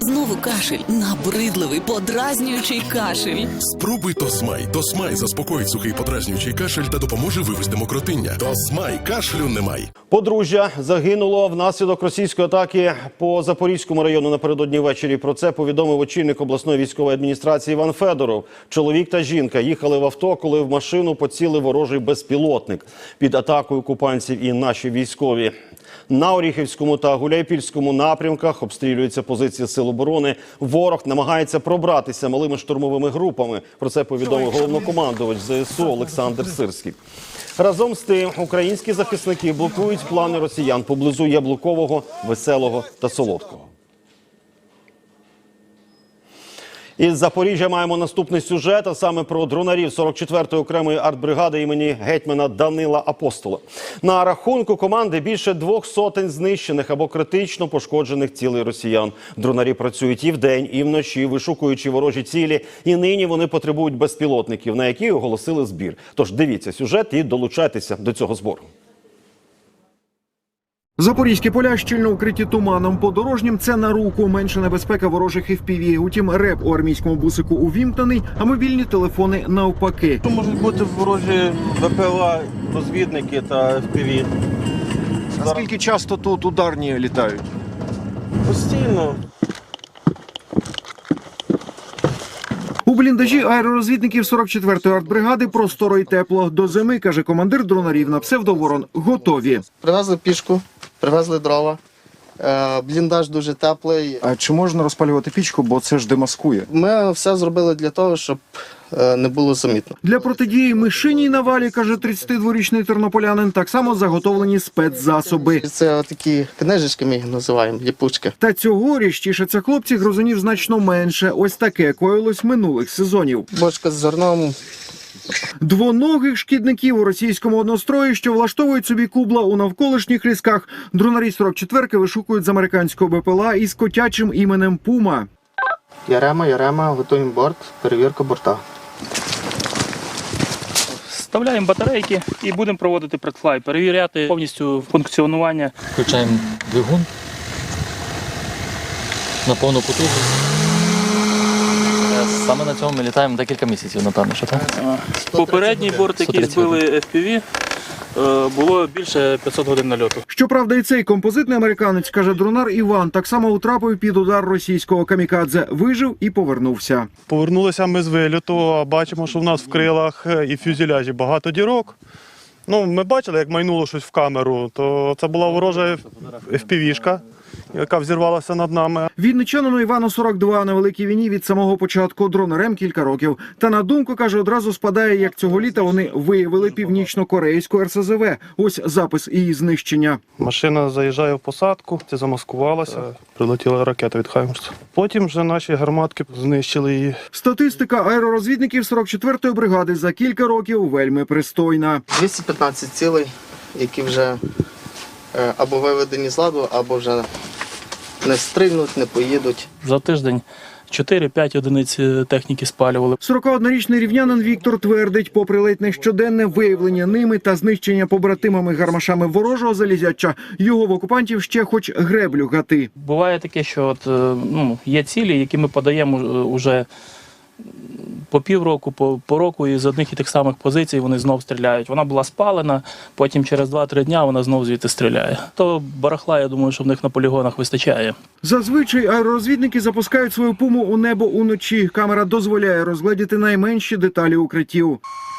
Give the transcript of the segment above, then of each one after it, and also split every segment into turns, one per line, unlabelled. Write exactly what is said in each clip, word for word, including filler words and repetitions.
Знову кашель. Набридливий, подразнюючий кашель.
Спробуй Тосмай. Тосмай заспокоїть сухий подразнюючий кашель та допоможе вивести мокротиння. Тосмай. Кашлю немає.
Подружжя загинуло внаслідок російської атаки по Запорізькому району напередодні ввечері. Про це повідомив очільник обласної військової адміністрації Іван Федоров. Чоловік та жінка їхали в авто, коли в машину поцілив ворожий безпілотник. Під атакою окупантів і наші військові. На Оріхівському та Гуляйпільському напрямках обстрілюються позиції сил оборони. Ворог намагається пробратися малими штурмовими групами. Про це повідомив головнокомандувач ЗСУ Олександр Сирський. Разом з тим, українські захисники блокують плани росіян поблизу Яблукового, Веселого та Солодкого. Із Запоріжжя маємо наступний сюжет, а саме про дронарів сорок четвертої окремої артбригади імені гетьмана Данила Апостола. На рахунку команди більше двох сотень знищених або критично пошкоджених цілей росіян. Дронарі працюють і вдень, і вночі, вишукуючи ворожі цілі. І нині вони потребують безпілотників, на які оголосили збір. Тож дивіться сюжет і долучайтеся до цього збору.
Запорізькі поля щільно укриті туманом. Подорожнім це на руку. Менша небезпека ворожих еф пі ві. Утім, реп у армійському бусику увімкнений, а мобільні телефони навпаки.
Можуть бути ворожі ве пе ел, розвідники та еф пі ві.
Наскільки часто тут ударні літають?
Постійно.
У бліндажі аеророзвідників сорок четвертої артбригади просторо й тепло. До зими, каже командир дронарів на псевдоворон, готові.
Привезли пішку, привезли дрова. Е, Бліндаж дуже теплий.
А чи можна розпалювати пічку, бо це ж демаскує?
Ми все зробили для того, щоб е, не було замітно.
Для протидії мишиній навалі, каже тридцятидворічний тернополянин, так само заготовлені спецзасоби.
Це такі книжечки, ми їх називаємо, ліпучки.
Та цьогоріч тішаться хлопці грозунів значно менше. Ось таке коїлось минулих сезонів.
Бочка з зерном.
Двоногих шкідників у російському однострої, що влаштовують собі кубла у навколишніх лісках. Дронарі сорок четвертки вишукують з американського бе пе ел а із котячим іменем Пума.
Ярема, Ярема, готуємо борт, перевірка борта.
Вставляємо батарейки і будемо проводити предфлай, перевіряти повністю функціонування.
Включаємо двигун на повну потужність. Саме на цьому ми літаємо декілька місяців, напевно, що так?
Попередній борт, який збили еф пі ві, було більше п'ятсот годин нальоту.
Щоправда, і цей композитний американець, каже дронар Іван, так само утрапив під удар російського камікадзе. Вижив і повернувся.
Повернулися ми з виліту, а бачимо, що в нас в крилах і фюзеляжі багато дірок. Ну, ми бачили, як майнуло щось в камеру, то це була ворожа еф пі ві-шка, яка взірвалася над нами.
Вінничанину Івану сорок два, на великій війні від самого початку, дронарем кілька років. Та на думку, каже, одразу спадає, як цього літа вони виявили північно-корейську ер ес зе ве. Ось запис її знищення.
Машина заїжджає в посадку, це замаскувалася, прилетіла ракета від Хаймерса. Потім вже наші гарматки знищили її.
Статистика аеророзвідників сорок четвертої бригади за кілька років вельми пристойна.
двісті п'ятнадцять цілей, які вже е, або виведені з ладу, або вже не стрільнуть, не поїдуть.
За тиждень чотири-п'ять одиниць техніки спалювали.
сорокаоднорічний рівнянин Віктор твердить, попри ледь не щоденне виявлення ними та знищення побратимами гармашами ворожого залізяча, його в окупантів ще хоч греблю гати.
Буває таке, що от, ну, є цілі, які ми подаємо уже по півроку, по, по року, і з одних і тих самих позицій вони знов стріляють. Вона була спалена, потім через два-три дня вона знов звідти стріляє. То барахла, я думаю, що в них на полігонах вистачає.
Зазвичай аеророзвідники запускають свою пуму у небо уночі. Камера дозволяє розгледіти найменші деталі укриттів.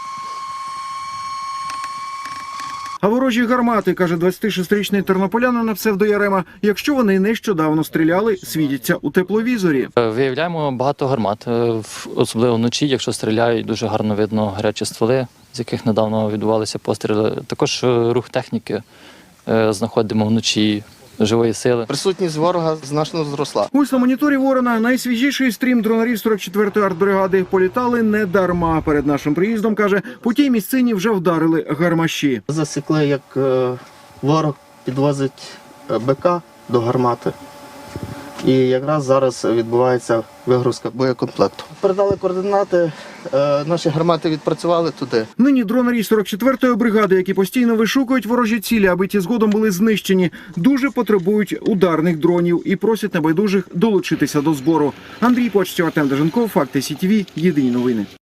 А ворожі гармати, каже двадцятишестирічний тернополянин на псевдо Ярема, якщо вони нещодавно стріляли, світяться у тепловізорі.
Виявляємо багато гармат, особливо вночі, якщо стріляють, дуже гарно видно гарячі стволи, з яких недавно відбувалися постріли. Також рух техніки знаходимо вночі. Живої сили.
Присутність ворога значно зросла.
Ось на моніторі Ворона найсвіжіший стрім дронарів сорок четвертої артбригади. Політали не дарма. Перед нашим приїздом, каже, по тій місцині вже вдарили гармаші.
Засікли, як е, ворог підвозить е, БК до гармати. І якраз зараз відбувається вигрузка боєкомплекту. Передали координати, е, наші гармати відпрацювали туди.
Нині дронарі сорок четвертої бригади, які постійно вишукують ворожі цілі, аби ті згодом були знищені, дуже потребують ударних дронів і просять небайдужих долучитися до збору. Андрій Почтєв, Артем Деженков, Факти СІТВ, єдині новини.